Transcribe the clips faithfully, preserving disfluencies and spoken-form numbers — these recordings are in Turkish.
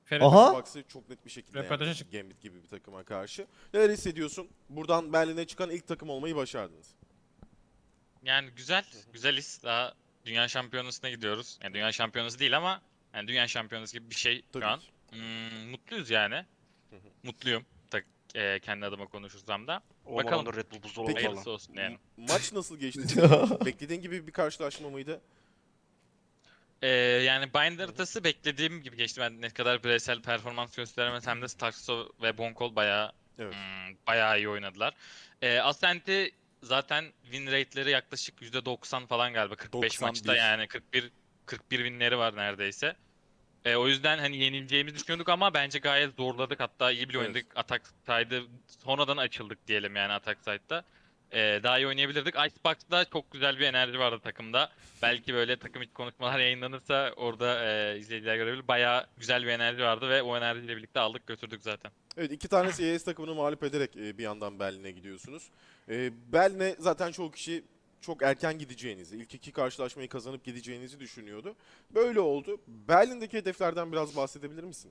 Ferit. Aha. Box'ı çok net bir şekilde Röportaja yani, çık- Gambit gibi bir takıma karşı. Neler hissediyorsun? Buradan Berlin'e çıkan ilk takım olmayı başardınız. Yani güzel, güzel his. Daha dünya şampiyonasına gidiyoruz. Yani dünya şampiyonası değil ama yani dünya şampiyonası gibi bir şey Tabii şu an. ki. Hmm, mutluyuz yani. Hı hı. Mutluyum. Tak, e, kendi adıma konuşursam da. Olan Bakalım. onda Red Bull buzdolabı Peki. falan. Hayırlısı olsun yani. M- Maç nasıl geçti? senin için? Beklediğin gibi bir karşılaşma mıydı? Ee, yani Bind haritası beklediğim gibi geçti. Ben ne kadar bireysel performans gösteremesem de Starkso ve Bonkol bayağı Evet. hmm, bayağı iyi oynadılar. Ee, Ascent'i zaten win rate'leri yaklaşık yüzde doksan falan galiba. kırk beş doksan bir. maçta yani kırk bir kırk bir winleri var neredeyse. Ee, o yüzden hani yenileceğimizi düşünüyorduk ama bence gayet zorladık. Hatta iyi bile Evet. oynadık. Atak side'ı sonradan açıldık diyelim yani atak side'da. Ee, daha iyi oynayabilirdik. Icebox'da çok güzel bir enerji vardı takımda. Belki böyle takım içi konuşmalar yayınlanırsa orada e, izleyiciler görebilir. Bayağı güzel bir enerji vardı ve o enerjiyle birlikte aldık götürdük zaten. Evet, iki tane C S takımını mağlup ederek e, bir yandan Berlin'e gidiyorsunuz. E, Berlin'e zaten çoğu kişi çok erken gideceğinizi, ilk iki karşılaşmayı kazanıp gideceğinizi düşünüyordu. Böyle oldu. Berlin'deki hedeflerden biraz bahsedebilir misin?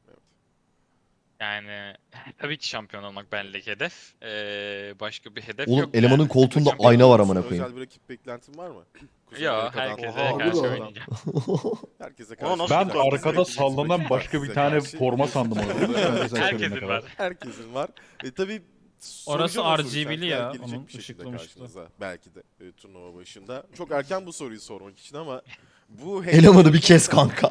Yani tabii ki şampiyon olmak benlik hedef. Ee, başka bir hedef Oğlum yok elemanın yani. koltuğunda Şampiyon ayna var olmak- amına koyayım. Özel bir rakip beklentin var mı? Kuzey Yok, Amerika'dan, herkese Oha, karşı Avrupa'dan, oynayacağım. herkese Ona karşı. nasıl Ben bir oynayacaksınız. arkada Rakibiniz sallanan rakibiniz başka bir size tane karşı. forma sandım orada. Lütfen sen söyleyene Herkesin kadar. var. Herkesin var. E, tabii Orası soracağım o R soruyu. G B'li Sen ya, gelecek onun bir şekilde ışıklı mışıklı. karşınıza. Belki de e, turnuva başında. Çok erken bu soruyu sormak için ama bu Elemanı bir kes kanka.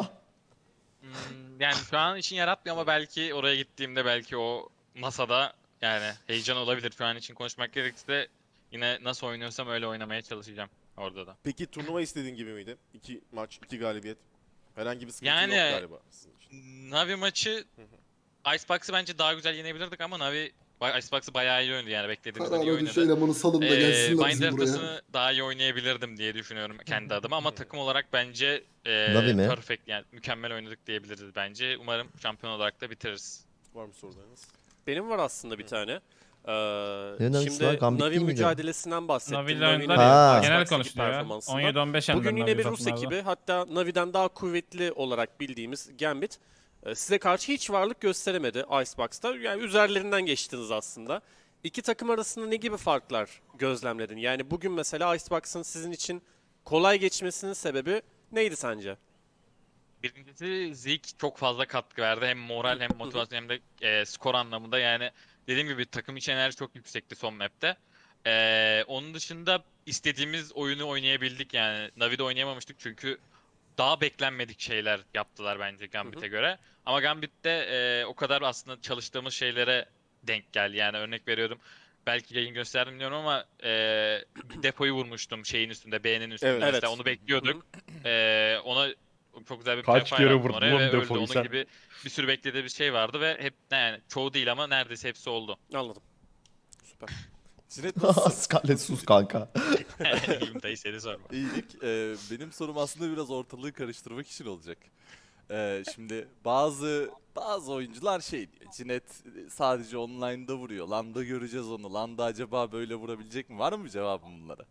Hmm, yani şu an için yaratmıyor ama belki oraya gittiğimde belki o masada yani heyecan olabilir. Şu an için konuşmak gerekirse yine nasıl oynuyorsam öyle oynamaya çalışacağım orada da. Peki turnuva istediğin gibi miydi? İki maç, iki galibiyet. Herhangi bir sıkıntı Yani- yok galiba sizin için. Navi maçı Icebox'ı bence daha güzel yenebilirdik ama Navi ba- Icebox'ı bayağı iyi oynadı yani beklediğimizden iyi Karara oynadı. düşe elemanı salın da Ee, gelsinler Bind bizim buraya. haritasını daha iyi oynayabilirdim diye düşünüyorum kendi adıma ama takım olarak bence Navi e, mi? perfect yani mükemmel oynadık diyebiliriz bence. Umarım şampiyon olarak da bitiririz. Var mı sorularınız? Benim var aslında bir tane. Ee, Ne Navisi şimdi var? Gambit Navi değil miydi? mücadelesinden bahsettim. Navi'yle Navi'nin oynadılar Ha. ya. Icebox'taki Genel konuşuluyor ya. performansından. on yedi on beş Bugün yendiler yine bir Navi Rus takımlarda. ekibi, hatta Navi'den daha kuvvetli olarak bildiğimiz Gambit e, size karşı hiç varlık gösteremedi Icebox'ta. Yani üzerlerinden geçtiniz aslında. İki takım arasında ne gibi farklar gözlemledin? Yani bugün mesela Icebox'ın sizin için kolay geçmesinin sebebi neydi sence? Birincisi Zeke çok fazla katkı verdi. Hem moral hem motivasyon hem de e, skor anlamında. Yani dediğim gibi takım içi enerji çok yüksekti son map'te. E, onun dışında istediğimiz oyunu oynayabildik yani. Navi'de oynayamamıştık çünkü daha beklenmedik şeyler yaptılar bence Gambit'e göre. Ama Gambit'te e, o kadar aslında çalıştığımız şeylere denk geldi. Yani örnek veriyorum. Belki yayın gösterdim bilmiyorum ama e, depoyu vurmuştum şeyin üstünde, B'nin üstünde. Evet. Mesela Evet. onu bekliyorduk. E, ona çok güzel bir Kaç prefire kere attım vurdun oraya oğlum ve öldü. depoyu Onun sen? gibi bir sürü beklediği bir şey vardı ve hep yani çoğu değil ama neredeyse hepsi oldu. Anladım. Süper. Cinet nasılsın? Scarlett sus kanka. İyiyim dayı seni sorma. İyilik. Ee, benim sorum aslında biraz ortalığı karıştırmak için olacak. Ee, şimdi bazı bazı oyuncular şey diyor. Cinet sadece online'da vuruyor. Landa göreceğiz onu. Landa acaba böyle vurabilecek mi? Var mı cevabım bunlara?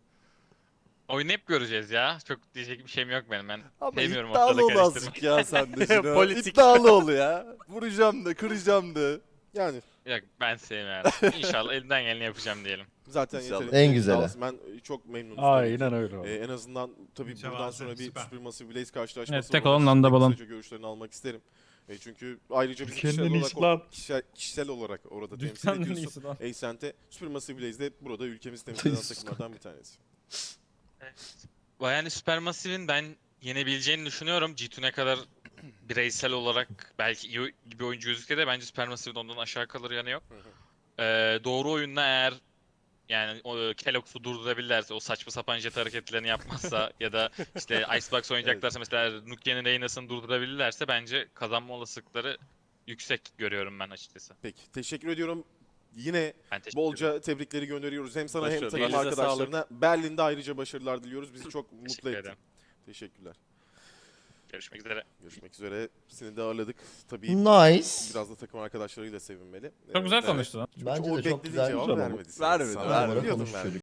Oyunu hep göreceğiz ya. Çok diyecek bir şeyim yok benim. Ben Ama sevmiyorum iddialı ortalığı ol karıştırmayı. azıcık ya sen de Cino. Politik. İddialı ol ya. Vuracağım da kıracağım da. Yani Yok ben sevmiyorum. İnşallah elimden geleni yapacağım diyelim. zaten İnşallah. yeterince En güzeli. iddialısın. Ben e, çok memnunum. tabii ki. Aynen öyle oldu. Ee, en azından tabii buradan Mütevazı, sonra bir süper. Supermassive Blaze karşılaşması Evet, tek var. olan Onun Landa için de Balon. kısaca görüşlerini almak isterim. E, çünkü ayrıca biz Ülkenin kişisel en olarak, iyisi lan. o- kişisel, kişisel olarak orada temsil Dünyanın en ediyorsun. iyisi lan. Ascent'e Supermassive Blaze de burada ülkemizi temsil eden Sus takımlardan bir tanesi. Yani Supermassive'in ben yenebileceğini düşünüyorum. G iki ne kadar bireysel olarak belki iyi bir oyuncu gözükse de bence Supermassive'in ondan aşağı kalır yanı yok. Ee, doğru oyunla eğer yani o Kellogg'su durdurabilirlerse, o saçma sapan jet hareketlerini yapmazsa ya da işte Icebox oynayacaklarsa mesela Nukia'nın Reyna'sını durdurabilirlerse bence kazanma olasılıkları yüksek görüyorum ben açıkçası. Peki teşekkür ediyorum. Yine Ben teşekkür ederim. bolca tebrikleri gönderiyoruz. Hem sana hem Başarılar. takım Elinize arkadaşlarına. Berlin'de ayrıca başarılar diliyoruz. Bizi çok mutlu Teşekkür ettin. ederim. Teşekkürler. Görüşmek üzere. Görüşmek üzere. Seni de ağırladık. Tabii Nice. biraz da takım arkadaşlarıyla sevinmeli. Çok güzel Evet. konuştu lan. Bence O de çok beklediğin güzel. cevabı Güzel oldu. vermedi. Vermedi, Sana. vermedi. Biliyordum Konuşuyor. vermedi.